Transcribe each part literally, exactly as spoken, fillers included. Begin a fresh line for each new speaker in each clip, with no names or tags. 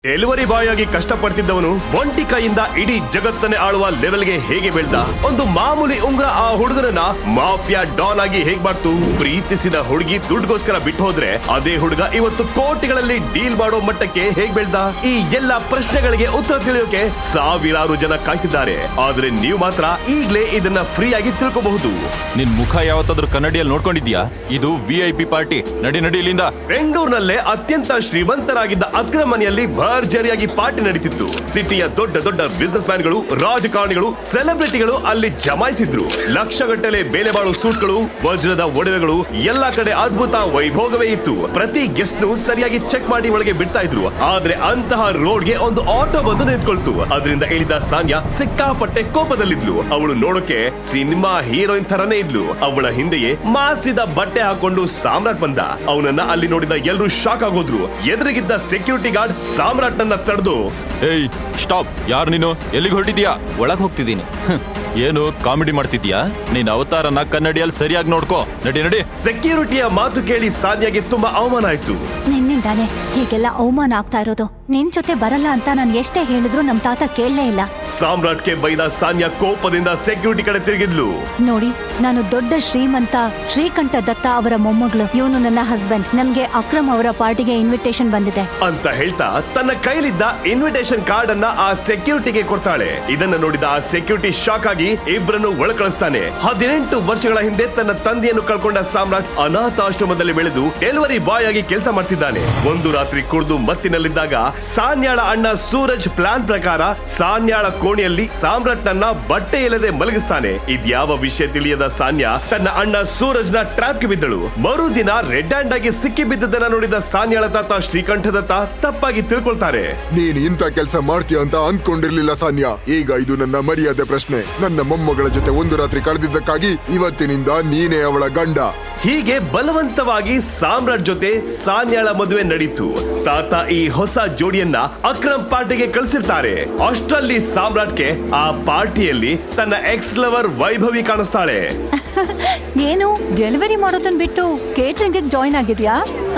Delivery boy ಆಗಿ ಕಷ್ಟಪಡ್ತಿದ್ದವನು ಒಂಟಿ ಕೈಯಿಂದ ಇಡೀ ಜಗತ್ತನ್ನೇ ಆಳುವ ಲೆವೆಲ್ಗೆ ಹೇಗೆ ಬೆಳ್ದ? ಒಂದು ಮಾಮೂಲಿ ಉಂಗ್ರ ಆ ಹುಡುಗನನ್ನ ಮಾಫಿಯಾ ಡಾನ್ ಆಗಿ ಹೇಗ್ ಮಾಡ್ತು? ಪ್ರೀತಿಸಿದ ಹುಡುಗಿ ದುಡ್ಡುಗೋಸ್ಕರ ಬಿಟ್ಟು ಹೋದ್ರೆ ಅದೇ ಹುಡುಗ ಇವತ್ತು ಕೋಟಿಗಳಲ್ಲಿ ಡೀಲ್ ಮಾಡೋ ಮಟ್ಟಕ್ಕೆ ಹೇಗ್ ಬೆಳ್ದ? ಈ ಎಲ್ಲಾ ಪ್ರಶ್ನೆಗಳಿಗೆ ಉತ್ತರ ತಿಳಿಯೋಕೆ ಸಾವಿರಾರು ಜನ ಕಾಯ್ತಿದ್ದಾರೆ. ಆದ್ರೆ ನೀವು ಮಾತ್ರ ಈಗ್ಲೇ ಇದನ್ನ ಫ್ರೀ ಆಗಿ ತಿಳ್ಕೋಬಹುದು.
ನಿನ್ ಮುಖ ಯಾವತ್ತಾದ್ರೂ ಕನ್ನಡಿಯಲ್ಲಿ ನೋಡ್ಕೊಂಡಿದ್ಯಾ? ಇದು ವಿ ಐ ಪಿ ಪಾರ್ಟಿ. ನಡಿ ನಡಿ ಇಲ್ಲಿಂದ.
ಬೆಂಗಳೂರಿನಲ್ಲೇ ಅತ್ಯಂತ ಶ್ರೀಮಂತರಾಗಿದ್ದ ಅಕ್ರಮ್ ಮನೆಯಲ್ಲಿ ಭರ್ಜರಿಯಾಗಿ ಪಾರ್ಟಿ ನಡೀತಿತ್ತು. ಸಿಟಿಯ ದೊಡ್ಡ ದೊಡ್ಡ ಬಿಸಿನೆಸ್ ಮ್ಯಾನ್ಗಳು, ರಾಜಕಾರಣಿಗಳು, ಸೆಲೆಬ್ರಿಟಿಗಳು ಅಲ್ಲಿ ಜಮಾಯಿಸಿದ್ರು. ಲಕ್ಷಗಟ್ಟಲೆ ಬೆಲೆ ಬಾಳೋ ಸೂಟ್ಗಳು, ವಜ್ರದ ಒಡವೆಗಳು, ಎಲ್ಲಾ ಕಡೆ ಅದ್ಭುತ ವೈಭೋಗವೇ ಇತ್ತು. ಪ್ರತಿ ಗೆಸ್ಟ್ ನು ಸರಿಯಾಗಿ ಚೆಕ್ ಮಾಡಿ ಒಳಗೆ ಬಿಡ್ತಾ ಇದ್ರು. ಆದ್ರೆ ಅಂತಹ ರೋಡ್ಗೆ ಒಂದು ಆಟೋ ಬಂದು ನಿಂತ್ಕೊಳ್ತು. ಅದರಿಂದ ಇಳಿದ ಸಾನ್ಯಾ ಸಿಕ್ಕಾಪಟ್ಟೆ ಕೋಪದಲ್ಲಿದ್ಲು. ಅವಳು ನೋಡೋಕೆ ಸಿನಿಮಾ ಹೀರೋಯಿನ್ ತರನೇ ಇದ್ಲು. ಅವಳ ಹಿಂದೆಯೇ ಮಾಸಿದ ಬಟ್ಟೆ ಹಾಕೊಂಡು ಸಾಮ್ರಾಟ್ ಬಂದ. ಅವನನ್ನ ಅಲ್ಲಿ ನೋಡಿದ ಎಲ್ಲರೂ ಶಾಕ್ ಆಗೋದ್ರು. ಎದುರಿಗಿದ್ದ ಸೆಕ್ಯೂರಿಟಿ ಗಾರ್ಡ್ ಸಾಮ್ರಾಟ್ ನನ್ನ ತಡೆದು,
ಏಯ್ ಸ್ಟಾಪ್, ಯಾರು ನೀನು? ಎಲ್ಲಿಗೆ ಹೊರಟಿದ್ಯಾ?
ಒಳಗ್ ಹೋಗ್ತಿದ್ದೀನಿ.
ಏನು ಕಾಮಿಡಿ ಮಾಡ್ತಿದ್ಯಾ? ನೀನ್ ಅವತಾರನ ಕನ್ನಡಿಯಲ್ಲಿ ಸರಿಯಾಗಿ ನೋಡ್ಕೋ. ನಡಿ ನಡಿ.
ಸೆಕ್ಯೂರಿಟಿಯ ಮಾತು ಕೇಳಿ ಸಾನ್ಯಾಗೆ ತುಂಬಾ ಅವಮಾನ ಆಯ್ತು.
ನಿನ್ನಿಂದಾನೆ ಹೀಗೆಲ್ಲ ಅವಮಾನ ಆಗ್ತಾ ಇರೋದು. ನಿನ್ ಜೊತೆ ಬರಲ್ಲ ಅಂತ ನಾನು ಎಷ್ಟೇ ಹೇಳಿದ್ರು ನಮ್ ತಾತ ಕೇಳಲೇ ಇಲ್ಲ.
ಸಾಮ್ರಾಟ್ಗೆ ಬೈದ ಸಾನ್ಯಾ ಕೋಪದಿಂದ ಸೆಕ್ಯೂರಿಟಿ ಕಡೆ ತಿರುಗಿದ್ಲು.
ನೋಡಿ, ನಾನು ದೊಡ್ಡ ಶ್ರೀಮಂತ ಶ್ರೀಕಂಠ ದತ್ತ ಅವರ ಮೊಮ್ಮಗಳು. ಇವನು ನನ್ನ ಹಸ್ಬೆಂಡ್. ನಮ್ಗೆ ಅಕ್ರಮ್ ಅವರ ಪಾರ್ಟಿಗೆ ಇನ್ವಿಟೇಷನ್ ಬಂದಿದೆ
ಅಂತ ಹೇಳ್ತಾ ತನ್ನ ಕೈಲಿದ್ದ ಇನ್ವಿಟೇಷನ್ ಕಾರ್ಡ್ ಅನ್ನ ಆ ಸೆಕ್ಯೂರಿಟಿಗೆ ಕೊಡ್ತಾಳೆ. ಇದನ್ನ ನೋಡಿದ ಆ ಸೆಕ್ಯೂರಿಟಿ ಶಾಕ್ ಆಗಿ ಇಬ್ಬರನ್ನು ಒಳ ಕಳಿಸ್ತಾನೆ. ಹದಿನೆಂಟು ವರ್ಷಗಳ ಹಿಂದೆ ತನ್ನ ತಂದೆಯನ್ನು ಕಳ್ಕೊಂಡ ಸಾಮ್ರಾಟ್ ಅನಾಥಾಶ್ರಮದಲ್ಲಿ ಬೆಳೆದು ಡೆಲಿವರಿ ಬಾಯ್ ಆಗಿ ಕೆಲಸ ಮಾಡ್ತಿದ್ದಾನೆ. ಒಂದು ರಾತ್ರಿ ಕುಡಿದು ಮತ್ತಿನಲ್ಲಿದ್ದಾಗ ಸಾನ್ಯಾಳ ಅಣ್ಣ ಸೂರಜ್ ಪ್ಲಾನ್ ಪ್ರಕಾರ ಸಾನ್ಯಾಳ ಕೋಣೆಯಲ್ಲಿ ಸಾಮ್ರಾಟ್ ನನ್ನ ಬಟ್ಟೆ ಇಲ್ಲದೆ ಮಲಗಿಸ್ತಾನೆ. ಇದ್ಯಾವ ವಿಷಯ ತಿಳಿಯದ ಸಾನ್ಯಾ ತನ್ನ ಅಣ್ಣ ಸೂರಜ್ ನ ಟ್ರಾಪ್ ಗೆ ಬಿದ್ದಳು. ಮರುದಿನ ರೆಡ್ ಹ್ಯಾಂಡ್ ಆಗಿ ಸಿಕ್ಕಿ ಬಿದ್ದದನ್ನ ನೋಡಿದ ಸಾನ್ಯಾಳ ತಾತ ಶ್ರೀಕಂಠದತ್ತ ತಪ್ಪಾಗಿ ತಿಳ್ಕೊಳ್ತಾರೆ.
ನೀನ್ ಇಂಥ ಕೆಲಸ ಮಾಡ್ತೀಯ ಅಂತ ಅಂದ್ಕೊಂಡಿರ್ಲಿಲ್ಲ ಸಾನ್ಯಾ. ಈಗ ಇದು ನನ್ನ ಮರ್ಯಾದೆ ಪ್ರಶ್ನೆ. ನನ್ನ ಮೊಮ್ಮಗಳ ಜೊತೆ ಒಂದು ರಾತ್ರಿ ಕಳೆದಿದ್ದಕ್ಕಾಗಿ ಇವತ್ತಿನಿಂದ ನೀನೇ ಅವಳ ಗಂಡ.
ಹೀಗೆ ಬಲವಂತವಾಗಿ ಸಾಮ್ರಾಟ್ ಜೊತೆ ಸಾನ್ಯಾಳ ಮದುವೆ ನಡೀತು. ತಾತ ಈ ಹೊಸ ಜೋಡಿಯನ್ನ ಅಕ್ರಮ್ ಪಾರ್ಟಿಗೆ ಕಳಿಸಿರ್ತಾರೆ. ಅಷ್ಟರಲ್ಲಿ ಸಾಮ್ರಾಟ್ಗೆ ಆ ಪಾರ್ಟಿಯಲ್ಲಿ ತನ್ನ ಎಕ್ಸ್ ಲವರ್ ವೈಭವಿ ಕಾಣಿಸ್ತಾಳೆ.
ಏನು ಡೆಲಿವರಿ ಮಾಡೋದನ್ ಬಿಟ್ಟು ಕೇಟರಿಂಗ್ ಜಾಯಿನ್ ಆಗಿದ್ಯಾ?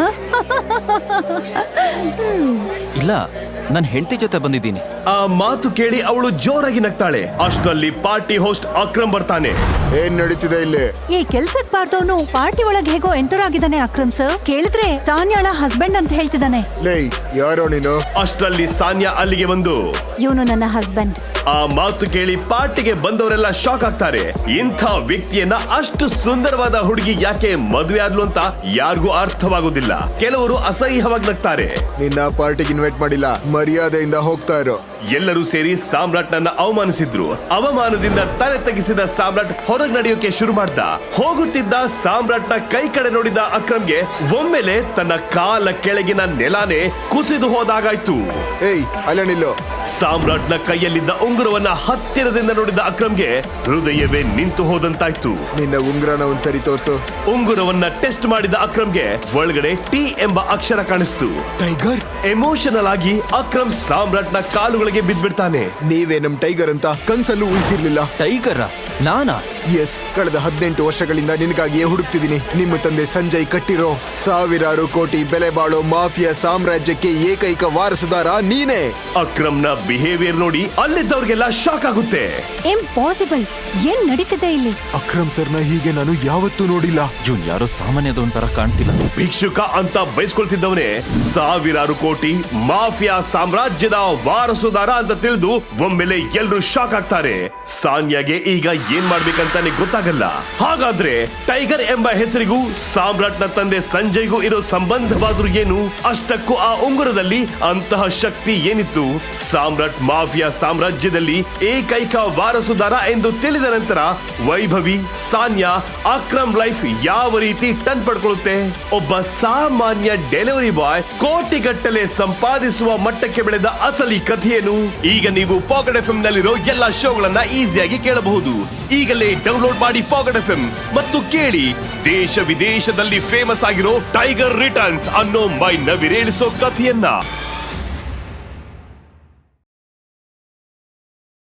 ಇಲ್ಲ, ನನ್ನ ಹೆಂಡತಿ ಜೊತೆ ಬಂದಿದ್ದೀನಿ.
ಆ ಮಾತು ಕೇಳಿ ಅವಳು ಜೋರಾಗಿ ನಗ್ತಾಳೆ. ಅಷ್ಟರಲ್ಲಿ ಪಾರ್ಟಿ ಹೋಸ್ಟ್ ಅಕ್ರಮ್ ಬರ್ತಾನೆ.
ಏನ್ ನಡೀತಿದೆ ಇಲ್ಲಿ?
ಈ ಕೆಲ್ಸಕ್ ಬಾರ್ದವನು ಪಾರ್ಟಿ ಒಳಗೆ ಹೇಗೋ ಎಂಟರ್ ಆಗಿದ್ದಾನೆ. ಅಕ್ರಮ್ ಸರ್ ಕೇಳಿದ್ರೆ ಸಾನ್ಯಾಳ ಹಸ್ಬೆಂಡ್ ಅಂತ ಹೇಳ್ತಿದ್ದಾನೆ.
ಲೇ, ಯಾರೋ ನೀನು?
ಅಷ್ಟರಲ್ಲಿ ಸಾನ್ಯಾ ಅಲ್ಲಿಗೆ ಬಂದು,
ಇವನು ನನ್ನ ಹಸ್ಬೆಂಡ್.
ಆ ಮಾತು ಕೇಳಿ ಪಾರ್ಟಿಗೆ ಬಂದವರೆಲ್ಲ ಶಾಕ್ ಆಗ್ತಾರೆ. ಇಂಥ ವ್ಯಕ್ತಿಯನ್ನ ಅಷ್ಟು ಸುಂದರವಾದ ಹುಡುಗಿ ಯಾಕೆ ಮದುವೆ ಆದ್ಲು ಅಂತ ಯಾರಿಗೂ ಅರ್ಥವಾಗುದಿಲ್ಲ. ಕೆಲವರು ಅಸಹ್ಯವಾಗಿ ನಗ್ತಾರೆ.
ನಿನ್ನ ಪಾರ್ಟಿಗೆ ಇನ್ವೈಟ್ ಮಾಡಿಲ್ಲ, ಮರ್ಯಾದೆಯಿಂದ ಹೋಗ್ತಾ ಇರೋ.
ಎಲ್ಲರೂ ಸೇರಿ ಸಾಮ್ರಾಟ್ ನನ್ನ ಅವಮಾನಿಸಿದ್ರು. ಅವಮಾನದಿಂದ ತಲೆ ತಗ್ಗಿಸಿದ ಸಾಮ್ರಾಟ್ ಹೊರಗೆ ನಡೆಯೋಕೆ ಶುರು ಮಾಡ್ದ. ಹೋಗುತ್ತಿದ್ದ ಸಾಮ್ರಾಟ್ ನ ಕೈ ಕಡೆ ನೋಡಿದ ಅಕ್ರಮ್ಗೆ ಒಮ್ಮೆಲೆ ತನ್ನ ಕಾಲ ಕೆಳಗಿನ ನೆಲಾನೇ ಕುಸಿದು ಹೋದಾಗಾಯ್ತು.
ಏಯ್, ಅಲ್ಲ ನಿಲ್ಲು.
ಸಾಮ್ರಾಟ್ ನ ಕೈಯಲ್ಲಿದ್ದ ಉಂಗುರವನ್ನ ಹತ್ತಿರದಿಂದ ನೋಡಿದ ಅಕ್ರಮ್ಗೆ ಹೃದಯವೇ ನಿಂತು ಹೋದಂತಾಯ್ತು.
ನಿನ್ನ ಉಂಗ್ರನ ಒಂದ್ಸರಿ ತೋರ್ಸು.
ಉಂಗುರವನ್ನ ಟೆಸ್ಟ್ ಮಾಡಿದ ಅಕ್ರಮ್ಗೆ ಒಳಗಡೆ ಟಿ ಎಂಬ ಅಕ್ಷರ ಕಾಣಿಸ್ತು.
ಟೈಗರ್.
ಎಮೋಷನಲ್ ಆಗಿ ಅಕ್ರಮ್ ಸಾಮ್ರಾಟ್ ನ ಕಾಲುಗಳಿಗೆ ಬಿದ್ಬಿಡ್ತಾನೆ.
ನೀವೇ ನಮ್ ಟೈಗರ್ ಅಂತ ಕನ್ಸಲ್ಲೂ ಊಹಿಸಿರ್ಲಿಲ್ಲ.
ಟೈಗರ? ನಾನಾ?
ಎಸ್, ಕಳೆದ ಹದಿನೆಂಟು ವರ್ಷಗಳಿಂದ ನಿನಗಾಗಿಯೇ ಹುಡುಕ್ತಿದ್ದೀನಿ. ನಿಮ್ಮ ತಂದೆ ಸಂಜಯ್ ಕಟ್ಟಿರೋ ಸಾವಿರಾರು ಕೋಟಿ ಬೆಲೆ ಬಾಳೋ ಮಾಫಿಯಾ ಸಾಮ್ರಾಜ್ಯಕ್ಕೆ ಏಕೈಕ ವಾರಸುದಾರ ನೀನೇ.
ಅಕ್ರಮ್ ನ ಬಿಹೇವಿಯರ್ ನೋಡಿ ಅಲ್ಲಿದ್ದವ್ರಿಗೆಲ್ಲ ಶಾಕ್ ಆಗುತ್ತೆ.
ಇಂಪಾಸಿಬಲ್, ಏನ್ ನಡೀತಿದೆ ಇಲ್ಲಿ?
ಅಕ್ರಮ್ ಸರ್ನ ಹೀಗೆ ನಾನು ಯಾವತ್ತೂ ನೋಡಿಲ್ಲ.
ಇವ್ನ್ ಯಾರೋ ಸಾಮಾನ್ಯದವನ್ ತರ ಕಾಣ್ತಿಲ್ಲ.
ಭಿಕ್ಷುಕ ಅಂತ ಬಯಸ್ಕೊಳ್ತಿದ್ದವನೇ ಸಾವಿರಾರು ಕೋಟಿ ಮಾಫಿಯಾ ಸಾಮ್ರಾಜ್ಯದ ವಾರಸುದಾರ ಅಂತ ತಿಳಿದು ಒಮ್ಮೆಲೆ ಎಲ್ರು ಶಾಕ್ ಆಗ್ತಾರೆ. ಸಾನ್ಯಾಗೆ ಈಗ ಏನ್ ಮಾಡ್ಬೇಕಂತಾನೆ ಗೊತ್ತಾಗಲ್ಲ. ಹಾಗಾದ್ರೆ ಟೈಗರ್ ಎಂಬ ಹೆಸರಿಗೂ ಸಾಮ್ರಾಟ್ ನ ತಂದೆ ಸಂಜಯ್ಗೂ ಇರೋ ಸಂಬಂಧವಾದ್ರೂ ಏನು? ಅಷ್ಟಕ್ಕೂ ಆ ಉಂಗುರದಲ್ಲಿ ಅಂತಹ ಶಕ್ತಿ ಏನಿತ್ತು? ಸಾಮ್ರಾಟ್ ಮಾಫಿಯಾ ಸಾಮ್ರಾಜ್ಯದಲ್ಲಿ ಏಕೈಕ ವಾರಸುದಾರ ಎಂದು ತಿಳಿದ ನಂತರ ವೈಭವಿ, ಸಾನ್ಯಾ, ಅಕ್ರಮ್ ಲೈಫ್ ಯಾವ ರೀತಿ ಟನ್ ಪಡ್ಕೊಳ್ಳುತ್ತೆ? ಒಬ್ಬ ಸಾಮಾನ್ಯ ಡೆಲಿವರಿ ಬಾಯ್ ಕೋಟಿಗಟ್ಟಲೆ ಸಂಪಾದಿಸುವ ಮಟ್ಟಕ್ಕೆ ಬೆಳೆದ ಅಸಲಿ ಕಥೆಯನ್ನು ಈಗ ನೀವು ಪಾಕೆಟ್ ಎಫ್ ಎಂ ನಲ್ಲಿರೋ ಎಲ್ಲಾ ಶೋಗಳನ್ನ ಈಸಿಯಾಗಿ ಕೇಳಬಹುದು. ಈಗಲೇ ಡೌನ್ಲೋಡ್ ಮಾಡಿ ಪಾಕೆಟ್ ಎಫ್ ಎಂ ಮತ್ತು ಕೇಳಿ ದೇಶ ವಿದೇಶದಲ್ಲಿ ಫೇಮಸ್ ಆಗಿರೋ ಟೈಗರ್ ರಿಟರ್ನ್ಸ್ ಅನ್ನೋ ಮೈ ನವಿರೇಳಿಸೋ ಕಥೆಯನ್ನ.